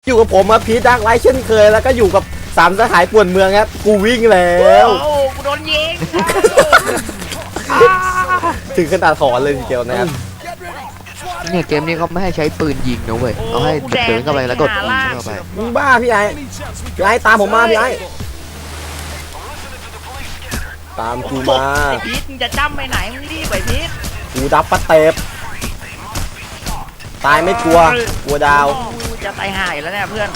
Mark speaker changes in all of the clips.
Speaker 1: อยู่กับผมมาพีทดักไลท์เช่นเคยแล้วก็อยู่กับสามสหายป่วนเมืองครับกูวิ่งแล้ว
Speaker 2: โอ้กูโดนยิง
Speaker 1: ถึงขนาดถอนเลยทีเดียวนะครับ
Speaker 3: เนี่ยเกมนี้เขาไม่ให้ใช้ปืนยิงนะเว้ยเอาให้เดินเข้าไปแล้วกดยิงเข้าไป
Speaker 1: มึงบ้าพี่ไอ้ตามผมมาพี่ไอ้ตามกูมา
Speaker 2: ไอ้พีทมึงจะจ้ำไปไหนมึงรีบไปพีท
Speaker 1: กูดับปะเตบตายไม่กลัวดาว
Speaker 2: กูจะตายห่าอยู่แล้วเนี่ยเพื่อน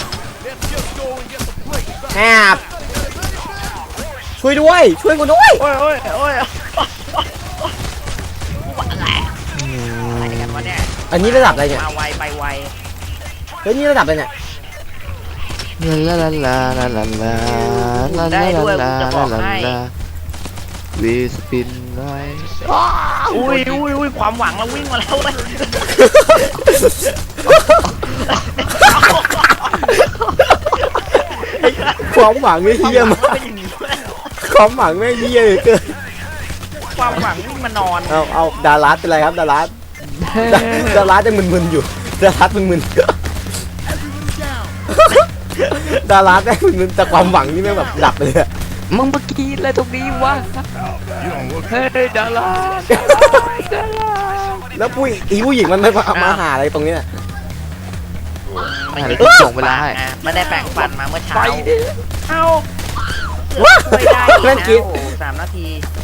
Speaker 1: แอบช่วยด้วยช่วยกูด้วย
Speaker 2: โอ้ยอะไรกันวะเนี่ย
Speaker 1: อันนี้ระดับอะไรเนี่ย
Speaker 2: มาไวไปไว
Speaker 1: เฮ้ยนี่ระดับอะไรเนี่ย
Speaker 3: ลาลาลาลาลาลาลาลาลาลาลาลาวีสปินไล
Speaker 2: อุ้ยความหวังเราวิ่งมาแล้วเลย
Speaker 1: ความหวังไม่เฮี้ยมากความหวังไม่เฮี้ยเลยเกิน
Speaker 2: ความหวังวิ่งมานอน
Speaker 1: เอาดารัสเป็นไรครับดารัสยังมึนๆอยู่ดารัสมึนๆดารัสแม่งมึนๆแต่ความหวังนี่แม่งแบบดับไปเลยอะ
Speaker 3: มึงเมื่อกี้อะไรตรงนี้วะเฮ้ยดารา
Speaker 1: แล้วผู้หญิงมันไม่มาหาอะไรตรงเนี้ย
Speaker 3: อะไรส่งเวลาให้
Speaker 2: ไม่ได้แปรงฟันมาเมื่อเช้า
Speaker 3: ไปดิ
Speaker 2: เอ้า
Speaker 1: ว้า
Speaker 2: ไม่ได้อีก
Speaker 1: เล่น
Speaker 2: นะ
Speaker 1: กิน
Speaker 2: โอ้3 นาที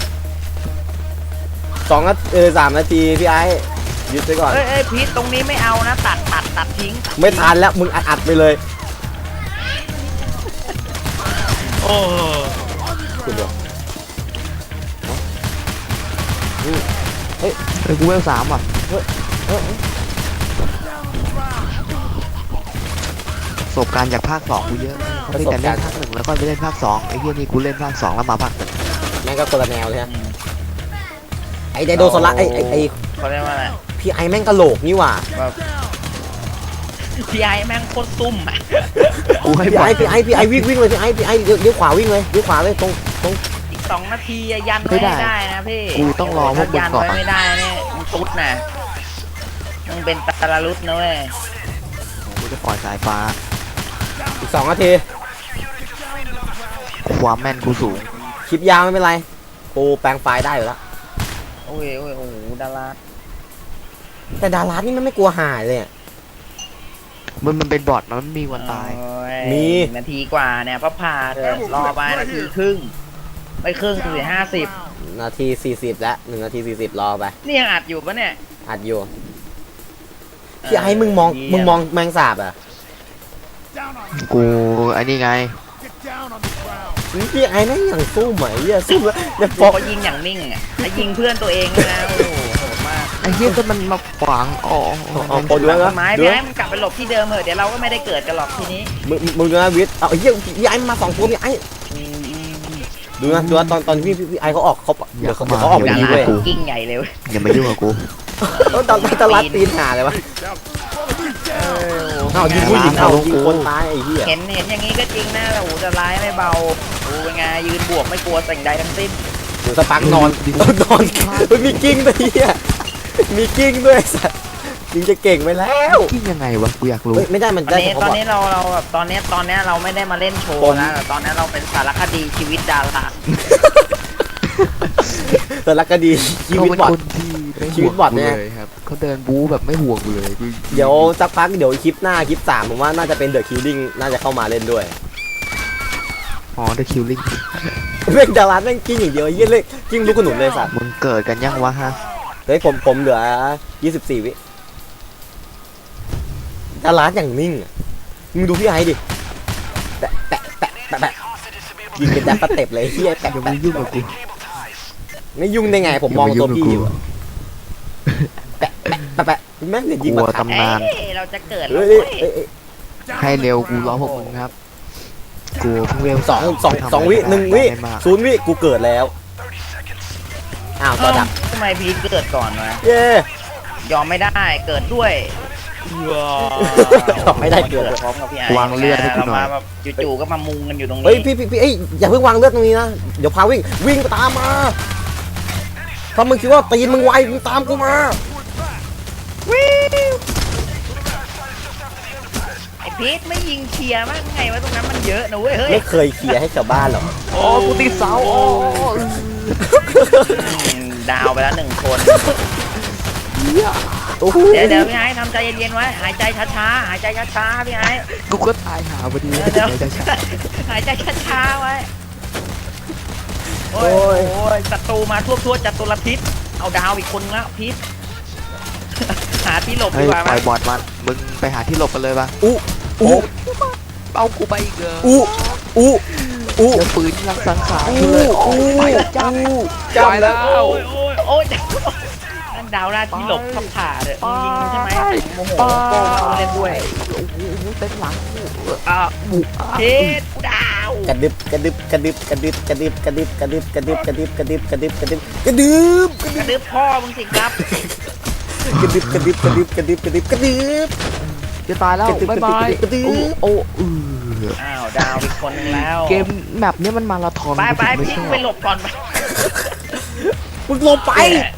Speaker 1: 3 นาทีพี่ไอ้ยึดไปก่อน
Speaker 2: เอ้ยพีทตรงนี้ไม่เอานะตัดทิ้ง
Speaker 1: ไม่ทันแล้วมึงอัดไปเลย
Speaker 2: โอ้
Speaker 1: คุณเดียว
Speaker 3: เฮ้ยกูเวล3อ่ะประสบการณ์จากภาค2กูเยอะเขาไม่แต่เล่นภาค1แล้วก็ไปเล่นภาค2ไอ้เหี้ยนี่กูเล่นภาค2แล้วมาภาค1
Speaker 1: แม่งก็คนละแนวเลยฮะไอ้ไดโดโซล่าไอ้
Speaker 2: เขาเรียกว่าอะไร
Speaker 1: พี่ไอ้แม่งกะโหลกนี่หว่า
Speaker 2: พี่ไอ้แม่งโคตรซุ่มอ่ะ
Speaker 3: กูให้
Speaker 1: พี่
Speaker 3: บอ
Speaker 1: ไอ้
Speaker 3: ก
Speaker 1: พี่ไอ้วิ่งเลยพี่ไอ้เลี้ยวขวาวิ่งเลยเลี้ยวขวาเลยตรง
Speaker 2: อีก2 นาทียันไว้ให้ได้นะพี่
Speaker 3: กูต้องรอพวกมึง
Speaker 2: ยัน
Speaker 3: ก่อน
Speaker 2: ไว้ไม่ได้เนี่ยมึงตุ๊ดนะมึงเป็นตาลารุดนะเว้ย
Speaker 3: กูจะปล่อยสายฟ้า
Speaker 1: อีก2 นาที
Speaker 3: ความแม่นกูสูง
Speaker 1: คลิปยาวไม่เป็นไรกูแปลงไฟล์ได้อยู่แล้ว
Speaker 2: โอ้ยโอ้โหดารา
Speaker 1: แต่ดารานี่มันไม่กลัวหายเลย
Speaker 3: มันเป็นบอทมันไม่มีวันตาย
Speaker 2: โอ้ย
Speaker 1: มี
Speaker 2: นาทีกว่าเนี่ยพระพาเธอรอไปนาทีครึ่งไม่ครึ่งถึง50
Speaker 1: นาที 40แล้ว1 นาที 40รอไป
Speaker 2: นี่ยังอัดอยู่ปะเนี่ย
Speaker 1: อัดอยู่พี่ไอ้มึงมองแมงสาบอ่ะ
Speaker 3: กูไอ้นี่ไง
Speaker 1: พี่ไอ้แม่งอย่างสู้ไหมสู้แล้วจะ
Speaker 2: บ
Speaker 1: ฟ
Speaker 2: อ
Speaker 1: อก ก
Speaker 2: ว่ายิงอย่างนิ่งอ่ะแล้วยิงเพื่อนตัวเองด้วยนะโอ้โหโหดมาก
Speaker 3: ไอ้เหี้ยก็มันมาขวางอ๋อ
Speaker 1: ปนด้วย
Speaker 2: ต้
Speaker 1: นะ
Speaker 2: นไม้
Speaker 1: ดู
Speaker 2: พี่ไอ้มันกลับไปหลบที่เดิมเถอะเดี๋ยวเราก็ไม่ได้เกิดกันหรอกทีนี้
Speaker 1: มึงดูนะวิทย์เอาเฮียพี่ไอ้มา2 ตัวพี่ไอ้ดูนะตอนพี่ไอ้เขาออกเดี๋ยวเขาออกไป
Speaker 2: ดา
Speaker 1: ดี
Speaker 2: รา
Speaker 1: เว้ย
Speaker 2: กิ้งใหญ่เลยเว้ย
Speaker 3: อย่ามายุ่งกับกู
Speaker 1: ตอนรัดตีนหาเลยวะเอายิงผู้หญิงเอายิงคนตายไอ้เหี้ย
Speaker 2: เห็นอย่างนี้ก็จริงนะแต่โอ้โหจะร้ายไม่เบาดูเป็นไงยืนบวกไม่กลัวสิ่งใดทั้งสิ้น
Speaker 1: หนูสปักนอนมีกิ้งด้วยเหี้ยมีกิ้งด้วยสัตว์ยิงจะเก่งไปแล้ว
Speaker 3: คิดยังไงวะกูอยากรู้
Speaker 1: ไม่ได้มัน
Speaker 2: ตอ
Speaker 1: ได้
Speaker 2: นนี้
Speaker 1: เฉ
Speaker 2: ตอน
Speaker 1: พาะ
Speaker 2: นี้เราแบบตอนนี้เราไม่ได้มาเล่นโชว์นะแต่ตอนนี้เราเป็นสารคดีชีวิตดารา
Speaker 1: แต่ละก็ดีชีวิตบอด
Speaker 3: คนที่ไม่
Speaker 1: ชีวิตบอดเนี่ย
Speaker 3: เลยครับเขาเดินบู๊แบบไม่ห่วงกูเลยกู
Speaker 1: เดี๋ยวสักพักเดี๋ยวคลิปหน้าคลิป3ผมว่าน่าจะเป็นเดอะคิลลิ่งน่าจะเข้ามาเล่นด้วย
Speaker 3: อ๋อเดอะคิวลิง
Speaker 1: เม่งดาราแม่งกิ้งอย่างเดียวเยี่ยเลยกิ้งลูกขนุนเลยสัตว์
Speaker 3: มึงเกิดกันยังวะฮะ
Speaker 1: เฮ้ยผมเหลือ24 วิดาราอย่างนิ่งอะมึงดูพี่ไอ้ดิแปะยิงเป็นดับสเต็ปเลยเฮียแปะ
Speaker 3: อย่ามายุ่งกับกู
Speaker 1: ไม่ยุ่งได้ไงผมมองตัวพี่อยู่อะแปะแม่งเดี๋ยวยิง
Speaker 3: กลั
Speaker 1: มาว ทับ
Speaker 3: ตำนาน
Speaker 2: เอ้ยเราจะเกิดแล้
Speaker 1: เฮ้
Speaker 2: วย เว้ย
Speaker 3: ให้เร็วกูรอพวกมึงครับ กูเพิ่งเร็ว
Speaker 1: สองวิ1 วิ 0 วิกูเกิดแล้วอ้าวต่อดับ
Speaker 2: ทำไมพีทเกิดก่อนวะ
Speaker 1: เย้
Speaker 2: ยอมไม่ได้เกิดด้วย
Speaker 1: ไม่ได้เกิด
Speaker 2: พร้อมกับพี่ไอ้
Speaker 3: วางเลือดให้กูหน่อย
Speaker 2: เรามาแบบจู่ๆก็มามุงกันอยู่ตรงนี้
Speaker 1: เฮ้ยพี่เอ้ยอย่าเพิ่งวางเลือดตรงนี้นะเดี๋ยวพาวิ่งตามมาถ้ามึงคิดว่าตีนมึงไวมึงตามกูมา
Speaker 2: ไอพพีทไม่ยิงเคลียร์บ้างไงวะตรงนั้นมันเยอะนะเว้ยเฮ้ย
Speaker 1: ไม่เคยเคลียร์ให้ชาวบ้านหรอก
Speaker 3: โอ้กูติดเสาโอ้
Speaker 2: ดาวไปแล้ว1 คน
Speaker 1: โอ้โห
Speaker 2: เดี๋ยวพี่ไอ้ทำใจเย็นๆไว้หายใจช้าๆหายใจช้าๆพี่ไอ้
Speaker 3: กูก็ตายหาพอดี
Speaker 2: เดี๋ยวหายใจช้าๆไว้โอ้ยศัตรูมาทั่วจัตุรพิษเอาดาวอีกคนแล้วพิษหาที่หลบ
Speaker 3: เฮ้
Speaker 2: ดี
Speaker 3: ย
Speaker 2: กว่า
Speaker 3: ป
Speaker 2: ไหม
Speaker 3: ล่อยบอดมันมึงไปหาที่หลบกันเลยปะ
Speaker 1: อู้อู้
Speaker 3: เอากูไปอีกเลย
Speaker 1: อู้อู้อู้
Speaker 3: เดี๋ยวปืนรักสังขาร
Speaker 1: อู้
Speaker 3: กูเลยโอ้
Speaker 1: อู้
Speaker 3: ยไปจับ
Speaker 1: จำแล้ว
Speaker 2: โอ้ยนั่นดาวหน้าที่หลบขับผ่าเลยยิงใช่ไหมโมโหโป้เอาเล่นด้วย
Speaker 3: โอ้โหเต็มหลัง
Speaker 2: พิษดาว
Speaker 1: กระดึบกระดึบกระดึบกระดึบกระดึบกระดึบกระดึบกระดึบกระดึบกระดึบกระดึบกระดึบกระดึบ
Speaker 2: กระดึบพ่อมึงสิครับ
Speaker 1: กระดึบกระดึบกระดึบกระดึบกระดึบกระดึบ
Speaker 3: จะตายแล้วบ๊ายบาย
Speaker 1: กระดึ๊บ
Speaker 3: โอ้อ
Speaker 2: อ้าวดาวอีกคนนึงแล้ว
Speaker 3: เกมแมปเนี้ยมันมาราธอน
Speaker 2: ไป
Speaker 3: กูถึงไม่
Speaker 2: พี่
Speaker 3: ชอบ
Speaker 2: ไปหลบก่อนไป
Speaker 1: มึงลงไป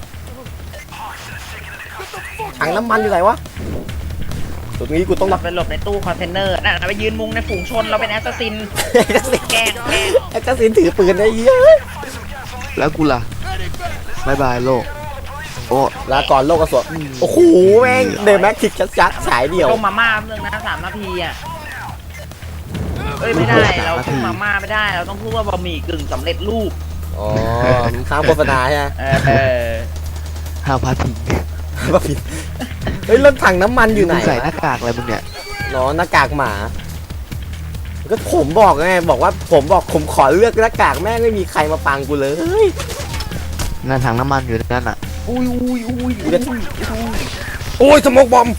Speaker 1: ถังน้ำมันอยู่ไหนวะตรงนี้กูต้อง
Speaker 2: หล
Speaker 1: รับบ
Speaker 2: ในตู้คอนเทนเนอร์นั่นไปยืนมุงในฝูงชนเราเป็นแอสซัสซินแกล้ง
Speaker 1: ไอ้เจ้าสินถือปืนไอ้เหี้ย
Speaker 3: แล้วกูล่ะบ๊ายบายโลกโอ้
Speaker 1: ลาก่อนโลกกระสวโอ้โหแม่งเดอะแม็กทิกชัดๆฉายเดียว
Speaker 2: ต้มมาม่าเรื่องนะ3 นาทีอ่ะเอ้ยไม่ได้เราต้มมาม่าไม่ได้เราต้องพูดว่าบะหมี่กึ่งสำเร็จรูป
Speaker 1: อ๋อมึงข้ามโฆษณาใช่ไหม
Speaker 2: เออ
Speaker 3: ห้าพาทิ้ง
Speaker 1: ว่าผิดเฮ้ยแล้วถังน้ำมันอยู่ไหน
Speaker 3: มึงใส่หน้ากากอะไรมึงเนี่ย
Speaker 1: เนาะหน้ากากหมาก็ผมบอกไงบอกว่าผมขอเลือกหน้ากากแม่งไม่มีใครมาปังกูเลย
Speaker 3: นั่นถังน้ำมันอยู่นั่นอ่ะ
Speaker 2: อุ้ย
Speaker 1: โอ้ยสโมกบอม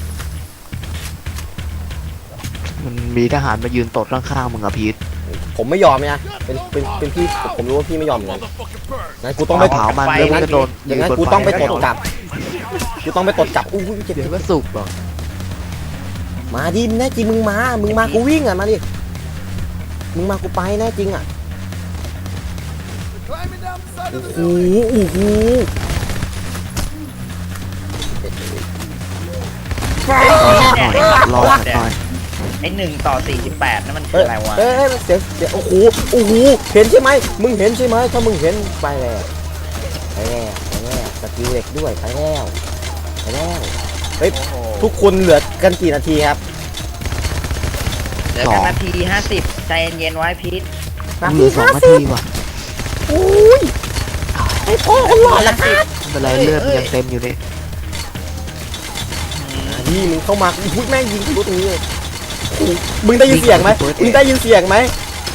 Speaker 3: มันมีทหารมายืนตดข้างๆมึงอะพีท
Speaker 1: ผมไม่ยอมนะเป็นพี่ผมรู้ว่าพี่ไม่ยอมเหมือนกันงั้นกูต้องไป
Speaker 3: เผามันแล้วมึงจะโดน
Speaker 1: อย่างนั้นกูต้องไปตดกลับกูต้องไปตดกลับอู้ยเจ็บ
Speaker 3: เดี๋ยวก็สุกหรอก
Speaker 1: มาดิแน่จริงมึงมากูวิ่งอ่ะมาดิมึงมากูไปแน่จริงอ่ะโอ้โห
Speaker 3: รอหน่อย
Speaker 2: ไอ้1:48นั่นมันคืออะไรวะ
Speaker 1: เอ้ยเดี๋ยวโอ้โหเห็นใช่ไหมมึงเห็นใช่ไหมถ้ามึงเห็นไปแล้วสกิลเด็กด้วยไปแล้วเฮ้ยทุกคนเหลือกันกี่นาทีครับ
Speaker 2: เหลือกันนาที50ใจเย็นๆไว้พีท
Speaker 3: เหลือ2 นาทีว่ะ
Speaker 1: โอ้ยไอ้พ่อคนหล่อละครับ
Speaker 3: ไม่เป็นไรเลือดมันยังเต็มอยู่นี่
Speaker 1: นี่มึงเข้ามาพูดแม่งยิงทะลุตรงนี้เลยมึงได้ยินเสียงไหมมึงได้ยินเสียงไหม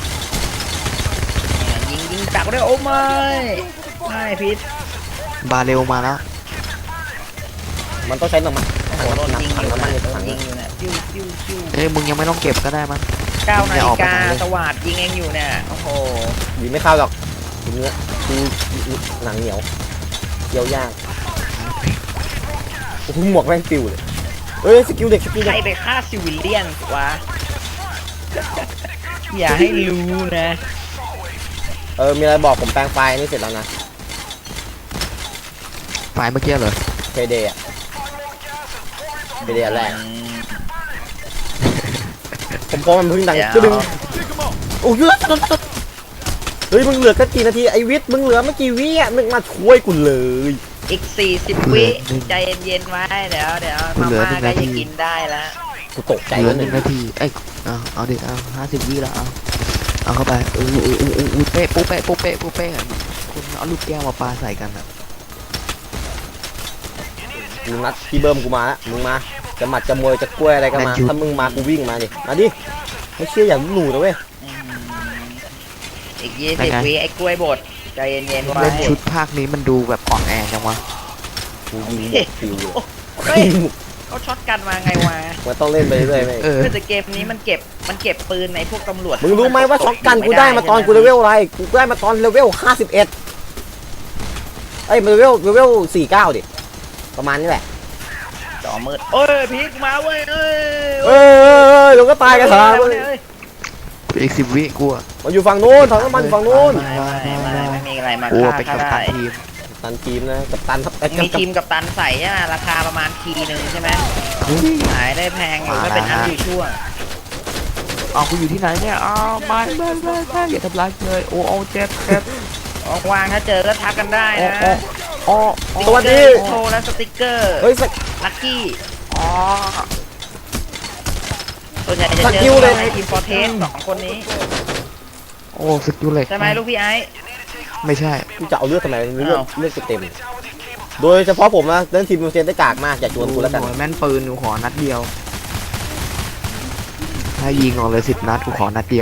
Speaker 2: ยิงจักด้วยโอ้ไม่พีท
Speaker 3: บาเร็วมาแล้ว
Speaker 1: มันต้องใช้น้ำมัน
Speaker 2: โดนยิง
Speaker 1: ถัง
Speaker 2: อยู่
Speaker 1: น้ำมัน
Speaker 2: นะ
Speaker 1: ใน
Speaker 2: โด
Speaker 1: ถั
Speaker 2: น
Speaker 1: ง
Speaker 2: ยิงอยู่นะจิ้ว
Speaker 3: เอ้ยมึงยังไม่ต้องเก็บก็ได้มั้ง
Speaker 2: 9 นาฬิกาสวัสดยิงเองอยู่เนี่ยโอ้โห
Speaker 1: ยิงไม่เข้าหรอกเนื้อคือหนังเหนียวเกี่ยวยากโอ้โหหมวกแม่งปิวเลยเอ้ยสกิลเด็ก
Speaker 2: ใครไปฆ่าซิวิเลียนวะอย่าให้รู้นะ
Speaker 1: มีอะไรบอกผมแปลงไฟล์นี่เสร็จแล้วนะ
Speaker 3: ไฟล์เมื่อกี้เหรอ
Speaker 1: เพเดย์เพเดย์แรกผมพอมันเพิ่งดังก็ดึงโอ้ยเฮ้ยมึงเหลือแค่กี่นาทีไอวิทย์มึงเหลือไม่กี่วิอ่ะมึงมาช่วยกูเลย
Speaker 2: อีก40 วิใจเย็นๆไว้เดี๋ยวมาม่าก็จะกินได้แล้ว
Speaker 1: กูตกใจ
Speaker 3: เหลือ
Speaker 1: แล้ว
Speaker 3: 1 นาทีเอ้ยเอาดิ50 วิแล้วเอาเข้าไปเป๊ะปุ๊เป๊ะคุณเอาลูกแก้วมาปาใส่กันอ่ะ
Speaker 1: มึงนัดพี่เบิ้มกูมาแล้วมึงมาจะหมัดจะมวยจะกล้วยอะไรก็มาถ้ามึงมากูวิ่งมาดิมาดิไม่เชื่ออย่างหนูนะเว้ย
Speaker 2: อีก20 วิไอ้กล้วยบดใจเย็นๆไว้
Speaker 3: เล่นชุดภาคนี้มันดูแบบอ่อนแอจังวะ
Speaker 1: กูยิงหมดฟิวเลย
Speaker 2: เฮ้ยเขาช็อตกันมาไงวะ
Speaker 1: มันต้องเล่นไปเรื่อยๆไหม
Speaker 2: แต่เกมนี้มันเก็บปืนในพวกตำรวจ
Speaker 1: มึงรู้ไหมว่าช็อตกันกูได้มาตอนกูเลเวลอะไรกูได้มาตอนเลเวล51เอ้ยเลเวล49ดิประมาณนี้แหละ
Speaker 2: จอมืดเอ้ยพีกมาเว้ยเอ้ย
Speaker 1: เดี๋ยวก็ตายกันถาม
Speaker 3: อีก10 วิกูอะ
Speaker 1: มันอยู่ฝั่งนู้นถังน้ำมันอยู่ฝั่งนู้น
Speaker 2: ไม่มีอะไรมา
Speaker 3: กู
Speaker 2: ฆ่า
Speaker 3: เป็น
Speaker 2: เขา
Speaker 3: กัปตั
Speaker 2: ได้
Speaker 3: นทีม
Speaker 1: ตันทีมนะกับตัน
Speaker 2: มีทีมกับตันใส่ใช่ไหมราคาประมาณทีนึงใช่ไหมขายได้แพงอยู่ไม่เป็นอันอยู่ชั่ว
Speaker 3: เอากูอยู่ที่ไหนเนี่ยอ้าวไม่อย่าทำร้ายเลยโอ้เจ็บ
Speaker 2: ว่างๆถ้าเจอก็ทักกันได้นะ
Speaker 3: โอ้
Speaker 1: สวัสดี
Speaker 2: โชว์และสติกเกอร์
Speaker 1: เฮ้ยสัก
Speaker 2: ลัคกี้
Speaker 3: อ๋อ
Speaker 2: ส่วนใหญ่จะ
Speaker 1: ส
Speaker 2: เจ
Speaker 1: กิล
Speaker 2: อ
Speaker 1: เลย
Speaker 2: ในทีมฟอร์เทสสองคนนี้
Speaker 3: โอ้สกิลเหล็ก
Speaker 2: ใช่ไหมลูกพี่ไอ้
Speaker 3: ไม่ใช่
Speaker 1: กูจะเอาเลือดทำไมเลือด
Speaker 2: อ้าว
Speaker 1: เลือดกูเต็ม โดยเฉพาะผมนะเล่นทีมเซนได้กากมากอย่าชวนกูแล้วกัน
Speaker 3: โอ้ยแม่นปืนกูขอนัดเดียวถ้ายิงออกเลย10 นัดกูขอนัดเดียว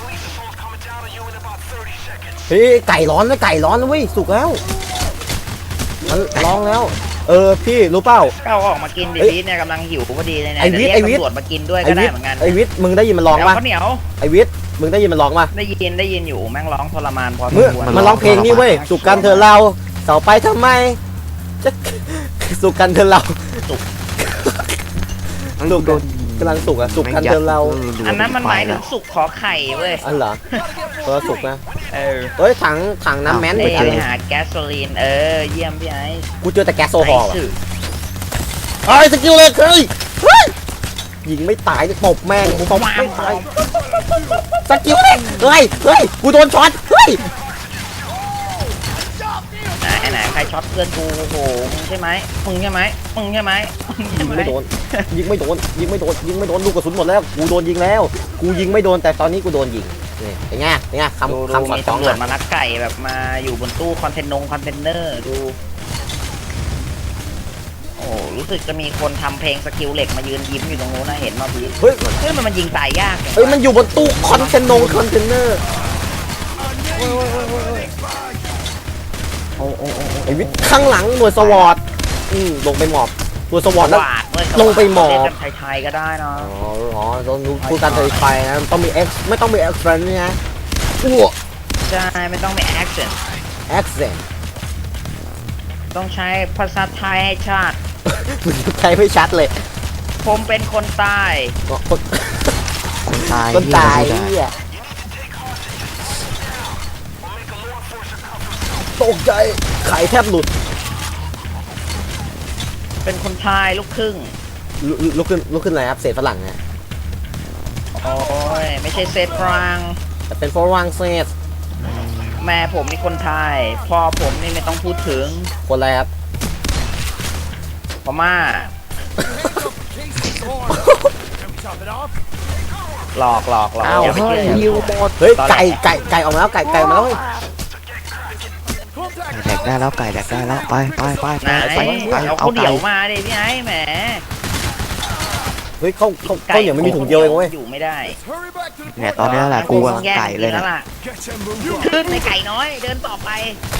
Speaker 1: เฮ้ยไก่ร้อนนะไก่ร้อนนะเว้ยสุกแล้วมันร้องแล้ว พี่รู้เปล่า
Speaker 2: ก็เอาออกมากินดิ
Speaker 1: เอ้ย
Speaker 2: พีทเนี่ยกำลังหิวพอดีเลยนะ
Speaker 1: ไอ้วิทย์
Speaker 2: เดี๋ยว
Speaker 1: ไอ้วิทย์
Speaker 2: เรียกตำรวจมากินด้วย
Speaker 1: ไอ
Speaker 2: ก็ได้
Speaker 1: วิท
Speaker 2: เหมือนกัน
Speaker 1: ไอวิทมึงได้ยินมันร้อง
Speaker 2: แล้ว
Speaker 1: ปะ
Speaker 2: ข้าวเหนียว
Speaker 1: ไอวิทมึงได้ยินมันร้องปะ
Speaker 2: ได้ยินอยู่แม่งร้องทรมานพอส
Speaker 1: เมื่อ
Speaker 2: มควร
Speaker 1: มันร้องเพลงนี่เว้ยสุกกันเธอะเราเสาไปทำไมจะ สุกกันเธอะเรา สุกกำลังสุกอะสุกกันเธอะเรา
Speaker 2: อันนั้นมันหมายถึงสุกขอไข่เว้ย
Speaker 1: อันเหรอสุกนะ
Speaker 2: เออ
Speaker 1: เฮ้ยถังน้ำแม้น
Speaker 2: ไป
Speaker 1: ไปเจอ
Speaker 2: หาแก๊สโซลีนเยี่ยมพี่ไอ้
Speaker 1: กูเจอแต่แก๊สโซฮอล์
Speaker 2: ไอ้
Speaker 1: ว่ะ
Speaker 2: สื่อ
Speaker 1: เฮ้ยสกิลเลยเฮ้ยยิงไม่ตายจะตบแม่งกูตบไม่ตายสกิลเลยเฮ้ยกูโดนช็อตเฮ้ย
Speaker 2: ไหนใครช็อตเพื่อนกูโอ้โหมึงใช่ไหมมึงใช่ไหม
Speaker 1: ยิงไม่โดนลูกกระสุนหมดแล้วกูโดนยิงแล้วกูยิงไม่โดนแต่ตอนนี้กูโดนยิงนี่เป็นไง
Speaker 2: ดู
Speaker 1: คำสอน
Speaker 2: มี
Speaker 1: สอง
Speaker 2: ตำรวจ
Speaker 1: อ่ะ
Speaker 2: มาลักไก่แบบมาอยู่บนตู้คอนเทนเนอร์ดูโอ้รู้สึกจะมีคนทำเพลงสกิลเหล็กมายืนยิ้มอยู่ตรงนู้นนะเห็นมาพี่
Speaker 1: เฮ้ย
Speaker 2: มันยิงตายยาก
Speaker 1: เฮ้ยมันอยู่บนตู้คอนเทนเนอร์ไอวิทย์ข้างหลังหน่วยสวอตลงไปหมอบหน่วยสวอตแล้ว ลงไปหมอบ
Speaker 2: เล่นกันไทยๆก็ได้นะ
Speaker 1: ต้องพูดการเตะไฟนะต้องมี X ไม่ต้องมี accent นะอ้วก
Speaker 2: ใช่ไม่ต้องมีแอคชั่น
Speaker 1: accent
Speaker 2: ต้องใช้ภาษาไทยให้ชาติ
Speaker 1: มันใช้ไม่ชัดเลย
Speaker 2: ผมเป็นคนใต้
Speaker 1: คน
Speaker 3: คนตาย
Speaker 1: คนตาย
Speaker 3: เหี้
Speaker 1: เนี่ยตกใจไข่แทบหลุด
Speaker 2: เป็นคนไทยลูกครึ่ง
Speaker 1: ลุกขึ้นอะไรครับเศษฝรั่งนะ
Speaker 2: โอ้ยไม่ใช่เซตฟรัง
Speaker 1: แต่เป็นฝรั่งเศส
Speaker 2: แม่ผมนี่คนไทยพ่อผมนี่ไม่ต้องพูดถึง
Speaker 1: คนอะไรครับ
Speaker 2: พม่าหลอก
Speaker 1: อ้าว
Speaker 2: อย่าไป
Speaker 3: เฮ้ย
Speaker 2: เชื่อ
Speaker 3: ฮิวหมด
Speaker 1: เฮ้ยไก่ออกมาแล้วไก่ออกมาแล้วเฮ้ย
Speaker 3: แดกได้แล้วไก่แดกได้แล้วไป
Speaker 2: ไหนเอาข้าวเหนียวมาดิพี่ไอ้แหม
Speaker 1: เฮ้ยเขาเหนียวไม่มีถุงเดียวเองเว้ย
Speaker 2: อยู่ไม่ได้
Speaker 3: เนี่ยตอนนี้แหละกูกำลังไก่เลย
Speaker 2: แว
Speaker 3: นะ
Speaker 2: ล่ะขึ้นในไก่น้อยเดินต่อไป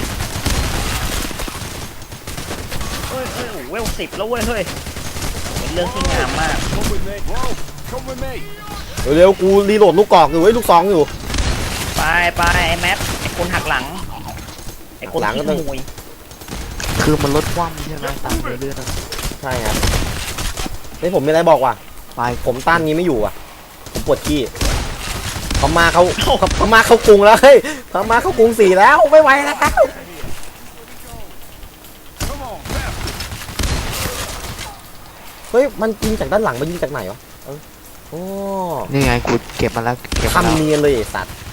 Speaker 2: เฮ้ยเวล10แล้วเว้ยเฮ้ยเป็นเรื่องที่งามมาก
Speaker 1: เร็วกูรีโหลดลูกกอกอยู่เว้ยลูกซองอยู่
Speaker 2: ไปไอ้แมทไอ้คนหักหลังไอ้คน
Speaker 1: หลังก็
Speaker 2: ที่
Speaker 1: ต้อง
Speaker 2: ขโมย
Speaker 3: คือมันลดความใช่ไหมตามเรื่อย
Speaker 1: ใช่ครับนี่ผมมีอะไรบอกว่ะ
Speaker 3: ๆไป
Speaker 1: ผมต้านนี้ไม่อยู่อ่ะผมปวดขี้พม่าเขากรุงแล้วเฮ้ยพม่าเขากรุง4แล้วไม่ไหวแล้วเฮ้ยมันยิงจากด้านหลังมันยิงจากไหนวะโอ้
Speaker 3: นี่ไงกูเก็บมาแล้วเก็บมา
Speaker 1: ทำ
Speaker 3: แล้ว
Speaker 1: เนียนเลยไอ้สัตว์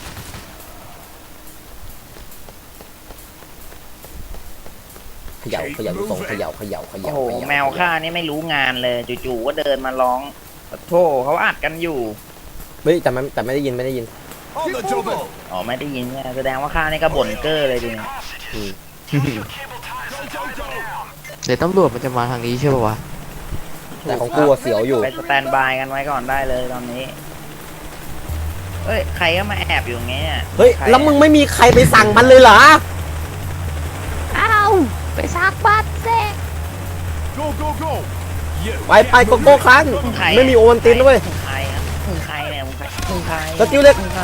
Speaker 1: เขย่าลูกทรงเขย่า
Speaker 2: โอ้โหแมวข้านี่ไม่รู้งานเลยจู่ๆก็เดินมาร้องโธ่เขาอัดกันอยู่
Speaker 1: เฮ้ยแต่ไม่ได้ยิน
Speaker 2: อ๋อไม่ได้ยินเนี่ยแสดงว่าข้านี่ก็บ่นเก้อเลยดิ
Speaker 3: เดี๋ยวตำรวจมันจะมาทางนี้ใช่ป่าวะ
Speaker 1: แต่ของกูอะเสียวอยู่
Speaker 2: ไปสแตนบายกันไว้ก่อนได้เลยตอนนี้เอ้ยใครก็มาแอบอยู่อย่างเงี้ย
Speaker 1: เฮ้ยแล้วมึงไม่มีใครไปสั่งมันเลยเหรอ
Speaker 3: ไปซักบัตรเซ่
Speaker 1: ไปโกโก้ครั้งไม่มีโอวันตินด้วย
Speaker 2: มึงใครครับมึงใครเนี่ยมึงใคร
Speaker 1: สกิลเล็ก
Speaker 2: มึงใคร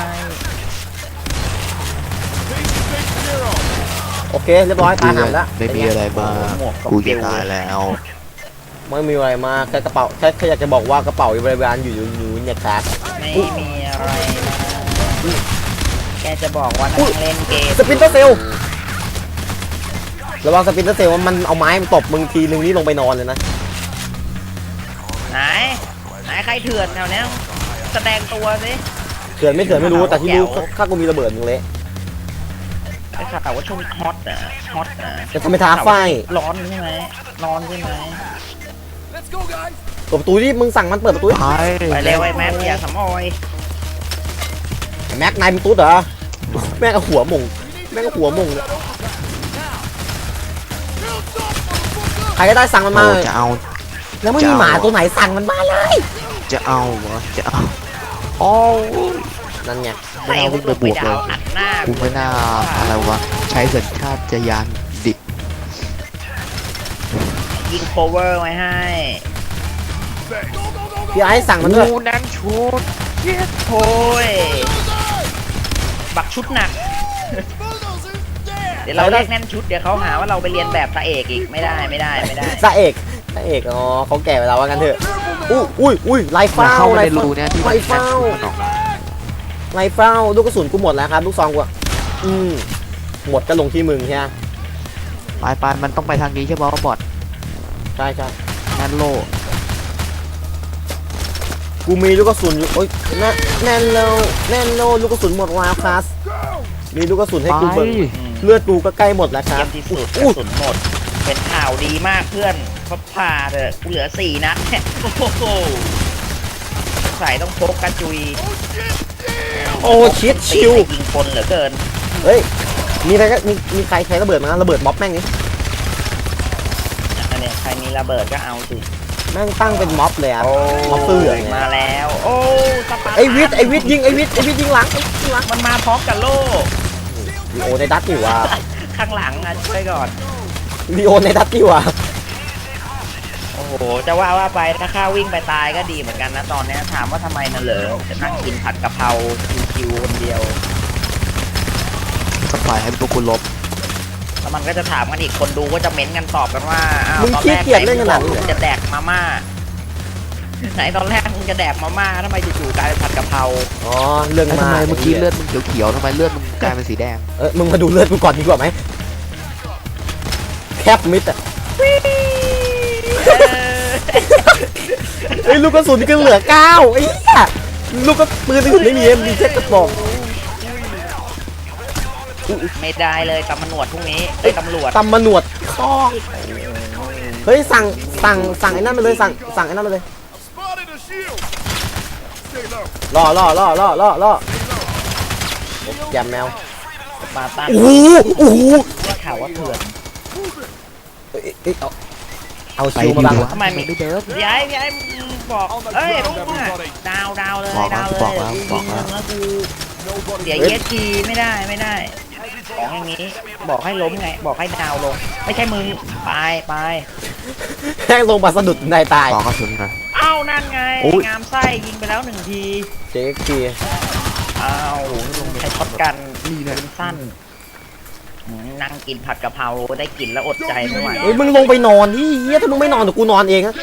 Speaker 1: โอเคเรียบร้อยตาหามแล้ว
Speaker 3: ไม่มีอะไรมากูจะตายแล้ว
Speaker 1: ไม่มีอะไรมาแค่กระเป๋าแค่อยากจะบอกว่ากระเป๋าบริวารอยู่เนี่ยครับ
Speaker 2: ไม่มีอะไรนะแกจะบอกว่านั่งเล่นเกม
Speaker 1: สปินเตอร์เซลระวังสปินเตอร์เซลว่ามันเอาไม้มันตบมึงทีนึงนี่ลงไปนอนเลยนะ
Speaker 2: ไหนใครเถื่อนแถวเนี้ยแสดงตัวสิ
Speaker 1: เถื่อนไม่เถื่อนไม่รู้แต่ที่รู้ข้ากูมีระเบิดมึงเละ
Speaker 2: ไอ้ข่าวแต่ว่าช่วงนี้ฮอตอ่ะฮอตอ่ะ
Speaker 1: จะทำไมท้าไฟ
Speaker 2: ร้อนใช่ไหมร้อนใช่ไหม
Speaker 1: เปิดประตูที่มึงสั่งมันเปิดประตู
Speaker 3: ไป
Speaker 2: ไปเร็วไอ้แม็กอย่าสำออย
Speaker 1: แม็กนายมึงตุ๊ดเหรอแม่งเอาหัวหมงแม่งเอาหัวหมงเลยใครก็ได้สั่งมันมา
Speaker 3: โอ้จะเอา
Speaker 1: แล้วไม่มีหมาตัวไหนสั่งมันมาเลย
Speaker 3: จะเอาเหรอจะเอาโอ้ย
Speaker 1: นั่นไง
Speaker 3: ไม่น่าวิ่งไปบวกเลย
Speaker 2: อัดหน้า
Speaker 3: กูไม่น่าอะไรวะใช้สัญชาตญาณดิบ
Speaker 2: ยิงโคเวอร์ไว้ให้
Speaker 1: พี่ไอ้สั่งมันด้วย
Speaker 3: กูนั้นชุด
Speaker 2: โอ้ยบักชุดหนัก เดี๋ยวเราเรียกแน่นชุดเดี๋ยวเขาหาว่าเราไปเรียนแบบตาเอกอีกไม่ได้
Speaker 1: ตาเอกอ๋อเขาแก่ไปแล้วว่างั้นเถอะอุ้ยไล่
Speaker 3: มา
Speaker 1: เฝ้า
Speaker 3: เข้า
Speaker 1: ไล่
Speaker 3: ในรูเนี่ยที่
Speaker 1: ไล่เฝ้า
Speaker 3: มันออก
Speaker 1: ไล่เฝ้าลูกกระสุนกูหมดแล้วครับลูกซองกูอะหมดก็ลงที่มึงใช่ไหม
Speaker 3: ไปมันต้องไปทางนี้ใช่ป่ะบอท
Speaker 1: ใช่
Speaker 3: งั้นโล
Speaker 1: กูมีลูกกระสุนอยู่โอ๊ยแน่นโลลูกกระสุนหมดวาคลาสมีลูกกระสุนให้กูเบิ่งเลือดกูก็ใกล้หมดแล้วค
Speaker 2: เยี่
Speaker 1: รั
Speaker 2: ย
Speaker 1: บ
Speaker 2: มที่สุดกระสุนหมด เป็นข่าวดีมากเพื่อนพาเถอะกูเหลือ4 นัดโอ้โหใส่ต้องพกกระจุย
Speaker 1: โอ้ชิดชิว
Speaker 2: ยิงคนเหลือเกิน
Speaker 1: เฮ้ยมีใครก็มีใครใช้ระเบิดมาระเบิดม็อบแม่งนี่
Speaker 2: อันนี้ใครมีระเบิดก็เอาสิ
Speaker 1: แม่งตั้งเป็นม็อบเลยอะม็อบเสื้อเนี่ย
Speaker 2: มาแล้วโอ้สปาร์ตา
Speaker 1: ไอวิทย์ยิงยิงหลังหลัง
Speaker 2: มันมาพร้อมกับโล่
Speaker 1: ลีโอในดัตอยู่ว่ะ
Speaker 2: ข้างหลังอ่ะช่วยก่อน
Speaker 1: ลีโอในดัตอยู่ว่ะ
Speaker 2: โอ้โหจะว่าไปถ้าข้าวิ่งไปตายก็ดีเหมือนกันนะตอนเนี้ยถามว่าทำไมน่ะเหรอจะนั่งกินผัดกะเพราคิวๆคนเดียว
Speaker 3: ก็ปล่อยให้พวกกูลบ
Speaker 2: แล้วมันก็จะถามกันอีกคนดูก็จะเม้นกันตอบกันว่าอ้าว
Speaker 1: มึง
Speaker 2: ตอน
Speaker 1: ขี้
Speaker 2: แรก
Speaker 1: เกียจเล่นขนาดนี้
Speaker 2: มึ
Speaker 1: เหรอ
Speaker 2: งจะแดกมาม่าไหนตอนแรกมึงจะแดกมาม่าทำไมจู่ๆกลายเป็นผัดกะเพรา
Speaker 1: อ๋อเรื่อง
Speaker 3: แล้ว
Speaker 1: มา
Speaker 3: ทำไมเมื่อกี้เลือดมึงเขียวๆทำไมเลือดมึงกลายเป็นสีแดง
Speaker 1: มึงมาดูเลือดกูก่อนดีกว่าไหมแคบมิดอะเฮ้ยลูกกระสุนก็เหลือ9ไอ้เหี้ยลูกก็ปืนอื่นไม่มีมีแค่กระบอก
Speaker 2: ไม่ได้เลยตำรวจพรุ่งนี้ไอ้ยตำรวจ
Speaker 1: ตำมะหนวดคอกเฮ้ยสั่งไอ้นั่นมาเลยสั่งไอ้นั่นมาเลยล่อแยมแมว
Speaker 2: สปาร์ตัน
Speaker 1: โอ้โห
Speaker 2: ได้ข่าวว่าเถื่อน
Speaker 1: เอาชิวมาบัง
Speaker 2: ทำไม
Speaker 3: ไม่เดิน
Speaker 2: ย้ายมึงบอกเอ้ยพวกมึงอะดาวเลย
Speaker 3: บอกแล้ว
Speaker 2: ดาวเลย
Speaker 3: บอกแล้ว
Speaker 2: กู
Speaker 3: บอก
Speaker 2: ยิง
Speaker 3: แล้ว
Speaker 2: มึงแล้วกูเสียเยสทีไม่ได้ของอย่างนี้บอกให้ล้มไงบอกให้ดาวลง ไม่ใช่มึงไป
Speaker 1: แห้งลงมาสะดุดในตาย
Speaker 3: บอกกระสุนนะ
Speaker 2: เอ้านั่นไง
Speaker 3: โอ้ย
Speaker 2: งามไส้ยิงไปแล้ว1 ที
Speaker 1: เจ๊กี
Speaker 2: เอ้าใช้ช็อตกัน
Speaker 3: นี่นะ
Speaker 2: ปืนสั้นนั่งกินผัดกะเพราได้กินแล้วอดใจไม่ไหว
Speaker 1: เฮ้ยมึงลงไปนอนที่เฮียถ้ามึงไม่นอนเดี๋ยวกูนอนเองนะ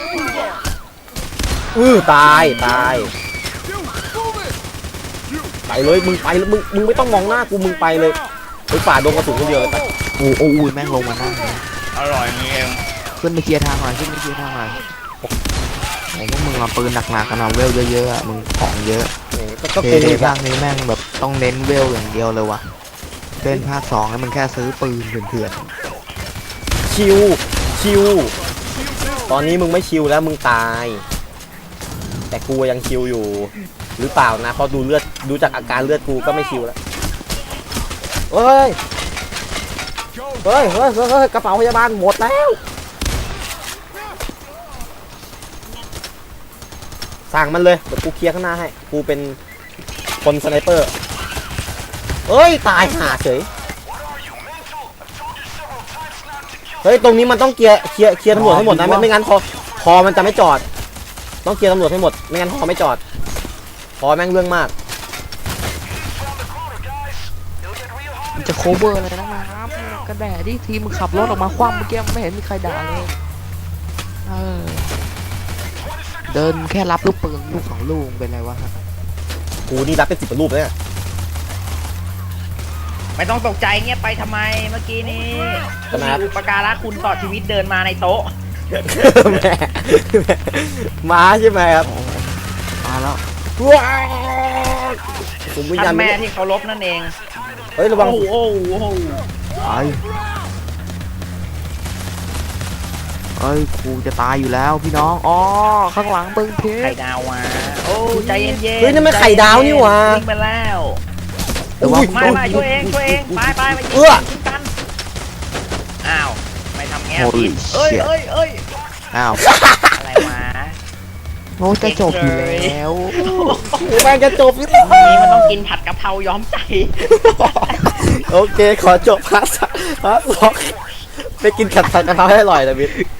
Speaker 1: ตายไปเลยมึงไปเลยมึงไม่ต้องมองหน้ากูมึงไปเลยไปฝ่าดงกระสุนคนเดียวเลยไป
Speaker 3: โอ้ยแม่งลงมาหน้าเลย
Speaker 2: อร่อยนี่เอง
Speaker 3: ขึ้นไปเคลียร์ทางหน่อยขึ้นไปเคลียร์ทางหน่อยโอ้พวกมึงเอาปืนหนักๆกันเอาเวลเยอะๆอะมึงของเยอะ
Speaker 1: ก็
Speaker 3: เท
Speaker 1: กู
Speaker 3: เด
Speaker 1: อีก
Speaker 3: ภา
Speaker 1: อะ
Speaker 3: คนี้แม่งแบบต้องเน้นเวลอย่างเดียวเลยวะเล่นภาค2แล้วมันแค่ซื้อปืนเถื่อน
Speaker 1: ชิวตอนนี้มึงไม่ชิวแล้วมึงตาย แต่กูยังชิวอยู่ หรือเปล่านะเพราะดูจากอาการเลือดกูก็ไม่ชิวแล้วเฮ้ยกระเป๋าพยาบาลหมดแล้วสั่งมันเลยเดี๋ยวกูเคลียร์ข้างหน้าให้กูเป็นคนสไนเปอร์เอ้ยตายห่าเฉยเฮ้ยตรงนี้มันต้องเคลียร์ตำรวจให้หมดนะไม่งั้นพอมันจะไม่จอดต้องเคลียร์ตำรวจให้หมดไม่งั้นพอไม่จอดพอแม่งเรื่องมาก
Speaker 3: มันจะโคเวอร์อะไรนะครับกระแดดที่ทีมมึงขับรถออกมาคว่ำเมื่อกี้ไม่เห็นมีใครด่าเลยเดินแค่รับลูกปืนลูก2 ลูกเป็นไรวะครับ
Speaker 1: กูนี่รับเป็น10 รูปเลยเนี่ย
Speaker 2: ไม่ต้องตกใจเงียบไปทำไมเมื่อกี้นี้มีอุปการะคุณต่อชีวิตเดินมาในโต๊ะ
Speaker 1: แม่ม้าใช่ไหมครับ
Speaker 3: มาแล้ว
Speaker 1: ว้าวฝูงวิญญา
Speaker 2: ท่า
Speaker 1: ณ
Speaker 2: นแม่ที่เคารพนั่นเอง
Speaker 1: เฮ้ยระวัง
Speaker 2: โอ้โหโอ้โห
Speaker 3: ไอ้ยกูจะตายอยู่แล้วพี่น้องอ๋อข้างหลังเบิ้งเพ
Speaker 2: ไข่
Speaker 3: ชร
Speaker 2: ดาวมาโอ้ใจเย็นๆ
Speaker 1: เฮ้ยนั่นมันไข่ดาวนี่หว่า
Speaker 2: วิ่งไปแล้ว
Speaker 3: แต่ว่า
Speaker 2: ไม่ช่วยเองไปไปยิง
Speaker 1: เอื้อ
Speaker 2: ยิงกันอ้าวไม่ทำแง่
Speaker 3: โอ้
Speaker 2: ผิ
Speaker 3: ย
Speaker 2: ดเอ้ย
Speaker 3: เชี่ย
Speaker 2: เอ้ยเอ้ย
Speaker 3: อ้าว
Speaker 2: อะไรวะ
Speaker 3: โอ้จะจบอยู่แล้ว
Speaker 1: แม่งจะจบอยู่
Speaker 2: นี่มันต้องกินผัดกะเพราย้อมใจ
Speaker 1: โอเคขอจบพาร์ท2ไปกินขัดผัดกะเพราให้อร่อยนะบิ๊ก